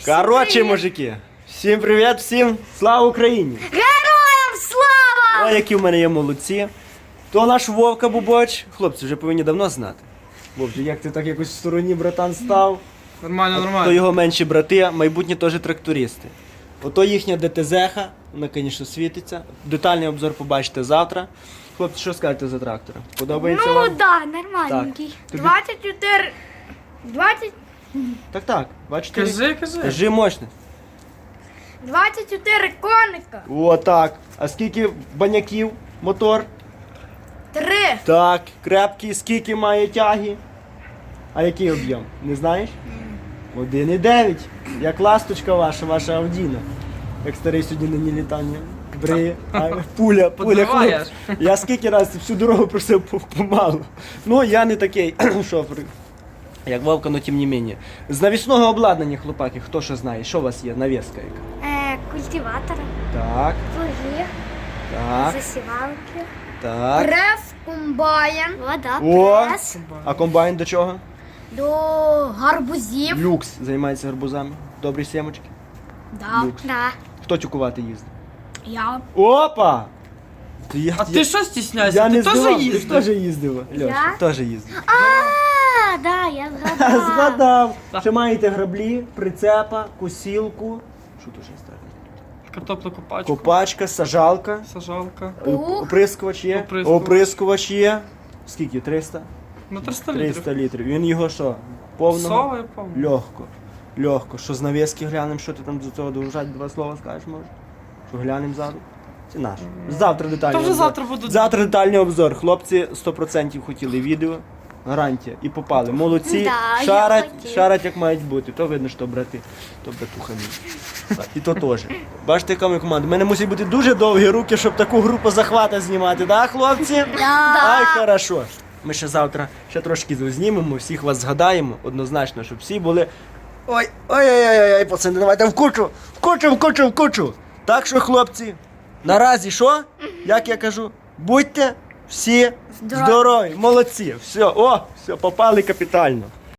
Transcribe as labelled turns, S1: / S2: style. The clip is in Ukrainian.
S1: Короче, мужики, всім привіт, всім слава Україні!
S2: Героям слава!
S1: О, які в мене є молодці. То наш Вовка Бубоч. Хлопці вже повинні давно знати. Вовче, як ти так якось в стороні, братан, став?
S3: Нормально,
S1: То
S3: нормально.
S1: його менші брати, майбутні теж трактористи. Ото їхня ДТЗ-ха, вона, звісно, світиться. Детальний обзор побачите завтра. Хлопці, що скажете за трактора? Подобається
S2: Ну
S1: вам?
S2: да, нормальненький.
S1: Так. Тобі-
S2: 24... 20...
S1: Так, бачите?
S3: Кажи.
S1: Кажи мощно.
S2: 24 коника.
S1: О, так. А скільки баняків мотор?
S2: 3.
S1: Так, крепкий, скільки має тяги? А який об'єм? Не знаєш? 1,9. Як ласточка ваша Авдіна. Як старий сьогодні нині літання. Бриє. Пуля,
S3: Подриваєш.
S1: хлоп. Я скільки разів всю дорогу просив помалу. Ну, я не такий шофер, як Вовка, но тим не менше. З навісного обладнання, хлопаки, хто що знає? Що у вас є? Навіска яка?
S2: Культиватор.
S1: Так,
S2: Плуги.
S1: так,
S2: Засівалки.
S1: так.
S2: Прес, комбайн. Вода,
S1: О!
S2: прес.
S1: А комбайн до чого?
S2: До гарбузів.
S1: Люкс займається гарбузами. Добрі сімочки.
S2: Да.
S1: Люкс.
S2: Да.
S1: Хто тюкувати їздить?
S2: Я.
S1: Опа!
S3: А ти що стісняєшся?
S1: Я
S3: Ти
S1: не
S3: теж
S1: здивав, ти
S3: їздив?
S1: теж їздив. Льоша,
S2: Я?
S1: теж їздив.
S2: А, да, я згадала.
S1: Згадав.
S3: Так.
S1: Ще маєте граблі, прицепа, косілку. Що тут ще ставити?
S3: Картоплю копачку.
S1: Копачка, сажалка.
S3: Сажалка.
S2: Ух.
S1: Оприскувач є.
S3: Оприскувач.
S1: Оприскувач є. Скільки? 300?
S3: На 300
S1: 300
S3: літрів.
S1: літрів. Він його що? Повного?
S3: Сова, я пам'ятаю.
S1: Легко. Легко. Що з навіски глянемо, що ти там до цього довжать, два слова скажеш, може? Що глянемо ззаду? Це наш. Завтра детальний
S3: Та вже
S1: обзор.
S3: завтра буде.
S1: Завтра детальний обзор. Хлопці 100% хотіли відео. Гарантія. І попали. Молодці.
S2: Да, я
S1: шарать,
S2: хотів.
S1: шарать як мають бути. То видно, що брати, то братуха мій. І то теж. Бачите, яка ми команда. У мене мусять бути дуже довгі руки, щоб таку групу захвата знімати, да, хлопці? Ай, хорошо. Ми ще завтра ще трошки знімемо, всіх вас згадаємо, однозначно, щоб всі були. Ой, пацани, давайте в кучу. Так що, хлопці, наразі що? Як я кажу, будьте всі здорові, молодці. Все, попали капітально.